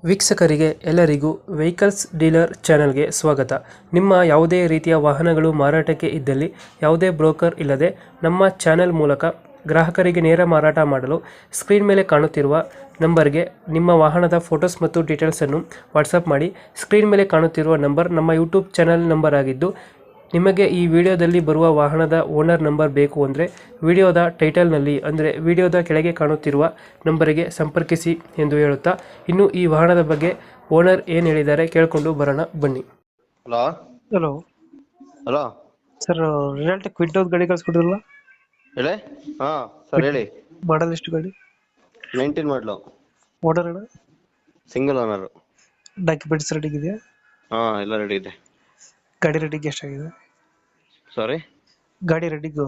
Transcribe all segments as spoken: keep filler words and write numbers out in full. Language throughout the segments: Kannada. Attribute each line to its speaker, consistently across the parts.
Speaker 1: ವೀಕ್ಷಕರಿಗೆ ಎಲ್ಲರಿಗೂ ವೆಹಿಕಲ್ಸ್ ಡೀಲರ್ ಚಾನೆಲ್ಗೆ ಸ್ವಾಗತ. ನಿಮ್ಮ ಯಾವುದೇ ರೀತಿಯ ವಾಹನಗಳು ಮಾರಾಟಕ್ಕೆ ಇದ್ದಲ್ಲಿ ಯಾವುದೇ ಬ್ರೋಕರ್ ಇಲ್ಲದೆ ನಮ್ಮ ಚಾನೆಲ್ ಮೂಲಕ ಗ್ರಾಹಕರಿಗೆ ನೇರ ಮಾರಾಟ ಮಾಡಲು ಸ್ಕ್ರೀನ್ ಮೇಲೆ ಕಾಣುತ್ತಿರುವ ನಂಬರ್ಗೆ ನಿಮ್ಮ ವಾಹನದ ಫೋಟೋಸ್ ಮತ್ತು ಡೀಟೇಲ್ಸನ್ನು ವಾಟ್ಸಪ್ ಮಾಡಿ. ಸ್ಕ್ರೀನ್ ಮೇಲೆ ಕಾಣುತ್ತಿರುವ ನಂಬರ್ ನಮ್ಮ ಯೂಟ್ಯೂಬ್ ಚಾನೆಲ್ ನಂಬರ್ ಆಗಿದ್ದು, ನಿಮಗೆ ಈ ವಿಡಿಯೋದಲ್ಲಿ ಬರುವ ವಾಹನದ ಓನರ್ ನಂಬರ್ ಬೇಕು ಅಂದರೆ ವಿಡಿಯೋದ ಟೈಟಲ್ನಲ್ಲಿ ಅಂದರೆ ವಿಡಿಯೋದ ಕೆಳಗೆ ಕಾಣುತ್ತಿರುವ ನಂಬರಿಗೆ ಸಂಪರ್ಕಿಸಿ ಎಂದು ಹೇಳುತ್ತಾ, ಇನ್ನು ಈ ವಾಹನದ ಬಗ್ಗೆ ಓನರ್ ಏನು ಹೇಳಿದ್ದಾರೆ ಕೇಳಿಕೊಂಡು ಬರೋಣ ಬನ್ನಿ.
Speaker 2: Hello
Speaker 1: hello
Speaker 2: hello
Speaker 1: sir, realty Kwid ಒಂದು ಗಾಡಿ ಕಳಿಸ್ಕೊಡಿದ್ರಲ್ಲ,
Speaker 2: ಹೇಳಿ. ಹಾ ಸರ್ ಹೇಳಿ.
Speaker 1: ಮಾಡಲ್ ಎಷ್ಟು ಗಾಡಿ?
Speaker 2: ನೈನ್ಟೀನ್ ಮಾಡಲು,
Speaker 1: ಓನರ್ ಅಣ್ಣ?
Speaker 2: Single owner.
Speaker 1: ಡಾಕ್ಯುಮೆಂಟ್ಸ್ ರೆಡಿ ಇದೆಯಾ?
Speaker 2: ಹಾ ಎಲ್ಲ ರೆಡಿ ಇದೆ.
Speaker 1: ಗಾಡಿ ರೆಡಿಗೆ ಎಷ್ಟಾಗಿದೆ?
Speaker 2: ಸಾರಿ,
Speaker 1: ಗಾಡಿ ರೆಡಿಗೂ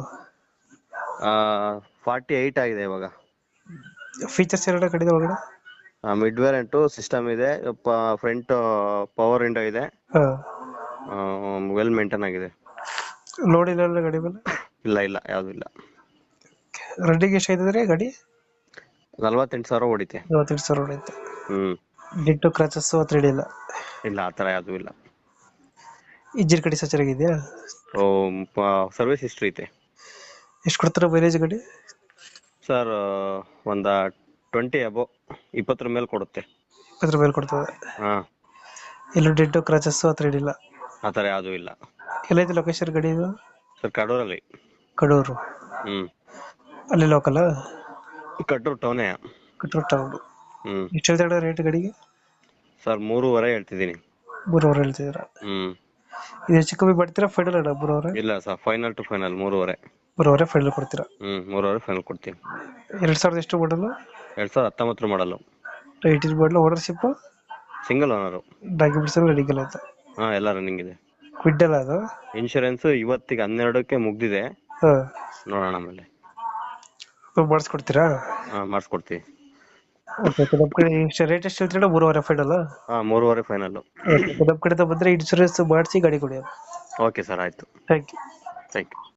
Speaker 2: ಫಾರ್ಟಿ ಏಯ್ಟ್ ಆಗಿದೆ ಇವಾಗ.
Speaker 1: ಫೀಚರ್ಸ್ ಎರಡು ಗಾಡಿದ ಒಳಗಡೆ?
Speaker 2: ಮಿಡ್ ವೇರಿಯಂಟು ಸಿಸ್ಟಮ್ ಇದೆ, ಫ್ರಂಟ್ ಪವರ್ ವಿಂಡೋ ಇದೆ,
Speaker 1: ಹಾಂ.
Speaker 2: ವೆಲ್ ಮೇಂಟೈನ್ ಆಗಿದೆ.
Speaker 1: ಲೋಡ್ ಇಲ್ಲ ಗಾಡಿ ಮೇಲೆ?
Speaker 2: ಇಲ್ಲ ಇಲ್ಲ ಯಾವ್ದು ಇಲ್ಲ.
Speaker 1: ರೆಡಿಗೆ ಎಷ್ಟಾಯ್ತದ್ರಿ ಗಾಡಿ?
Speaker 2: ನಲ್ವತ್ತೆಂಟು ಸಾವಿರ ಹೊಡಿತೆ.
Speaker 1: ನಲವತ್ತೆಂಟು ಸಾವಿರ ಹೊಡೆಯುತ್ತೆ.
Speaker 2: ಹ್ಮ್
Speaker 1: ಡಿಟ್ಟು ಕ್ರಾಚಸ್ ಹತ್ರ ಹಿಡಿಯಿಲ್ಲ?
Speaker 2: ಇಲ್ಲ ಆ ಥರ ಯಾವ್ದು ಇಲ್ಲ.
Speaker 1: ಇಂಜಿನ್ ಕಡೆ ಸಚ್ಚರಾಗಿದೆಯಾ?
Speaker 2: ಸರ್ವಿಸ್ ಹಿಸ್ಟ್ರಿ ಐತೆ.
Speaker 1: ಎಷ್ಟು ಕೊಡ್ತಾರೆ ಮೈಲೇಜ್ ಗಾಡಿ?
Speaker 2: ಸರ್ ಒಂದ ಟ್ವೆಂಟಿ ಅಬೋ, ಇಪ್ಪತ್ತರ ಮೇಲೆ ಕೊಡುತ್ತೆ.
Speaker 1: ಇಪ್ಪತ್ತರ ಮೇಲೆ ಕೊಡ್ತದೆ.
Speaker 2: ಹಾ,
Speaker 1: ಎಲ್ಲೂ ಡಿಟ್ಟು ಕ್ರಾಚಸ್ ಹತ್ರ ಹಿಡಿಯಿಲ್ಲ?
Speaker 2: ಆ ಥರ ಯಾವ್ದು ಇಲ್ಲ.
Speaker 1: ಎಲ್ಲೈತೆ ಲೊಕೇಶನ್ ಗಾಡಿ ಇದು?
Speaker 2: ಸರ್ ಕಡೂರಲ್ಲಿ.
Speaker 1: ಕಡೂರು?
Speaker 2: ಹ್ಮ್
Speaker 1: ಅಲ್ಲಿ ಲೋಕಲ್?
Speaker 2: ಕಡೂರು ಟೌನೇ.
Speaker 1: ಕಡೂರು ಟೌನ್.
Speaker 2: ಹ್ಮ್
Speaker 1: ಎಷ್ಟು ಹೇಳ್ತಾಳೆ ರೇಟ್ ಗಾಡಿಗೆ?
Speaker 2: ಸರ್ ಮೂರುವರೆ ಹೇಳ್ತಿದ್ದೀನಿ.
Speaker 1: ಮೂರುವರೆ ಹೇಳ್ತಿದ್ದೀರಾ?
Speaker 2: ಹ್ಮ್
Speaker 1: ಇದು ಹೆಚ್ಚು ಕಮ್ಮಿ ಮಾಡ್ತೀರಾ ಫೈನಲ್ ಅಣ್ಣ? ಮೂರುವರೆ?
Speaker 2: ಇಲ್ಲ ಸರ್, ಫೈನಲ್ ಟು ಫೈನಲ್ ಮೂರುವರೆ.
Speaker 1: ಮೂರುವರೆ ಫೈನಲ್ ಕೊಡ್ತೀರಾ?
Speaker 2: ಹ್ಮ್ ಮೂರುವರೆ ಫೈನಲ್ ಕೊಡ್ತೀನಿ.
Speaker 1: ಎರಡು ಸಾವಿರದ ಎಷ್ಟು ಮಾಡಲು?
Speaker 2: ಎರಡ್ ಸಾವಿರದ ಹತ್ತೊಂಬತ್ತರ ಮಾಡಲು.
Speaker 1: ಏಯ್ಟೀನ್ ಮಾಡಲು. ಓನರ್ಶಿಪ್?
Speaker 2: Single owner.
Speaker 1: ಡಾಕ್ಯುಮೆಂಟ್ಸ್ ಎಲ್ಲ ರೆಡಿಗೆಲ್ಲ ಆಯ್ತು?
Speaker 2: ಹಾ ಎಲ್ಲ ರನ್ನಿಂಗ್ ಇದೆ.
Speaker 1: ಕ್ವಿಡ್ ಅಲ್ಲ ಅದು?
Speaker 2: ಇನ್ಶೂರೆನ್ಸ್ ಇವತ್ತಿಗೆ ಹನ್ನೆರಡಕ್ಕೆ ಮುಗ್ದಿದೆ.
Speaker 1: ಹಾಂ.
Speaker 2: ನೋಡೋಣ ಆಮೇಲೆ.
Speaker 1: ಮಾಡಿಸ್ಕೊಡ್ತೀರಾ?
Speaker 2: ಹಾ ಮಾಡಿಸ್ಕೊಡ್ತೀವಿ.
Speaker 1: ಓಕೆ, ನಮ್ಮ ಕಡೆ ಎಷ್ಟು ರೇಟ್ ಎಷ್ಟು ಹೇಳ್ತೀರಾ? ಮೂರುವರೆ ಫೈನಲ್?
Speaker 2: ಹಾ ಮೂರುವರೆ ಫೈನಲ್.
Speaker 1: ನಮ್ಮ ಕಡೆಯಿಂದ ಬಂದರೆ ಇನ್ಶೂರೆನ್ಸ್ ಮಾಡಿಸಿ ಗಾಡಿ ಕೊಡಿ.
Speaker 2: ಓಕೆ ಸರ್, ಆಯ್ತು.
Speaker 1: Thank you.
Speaker 2: Thank you.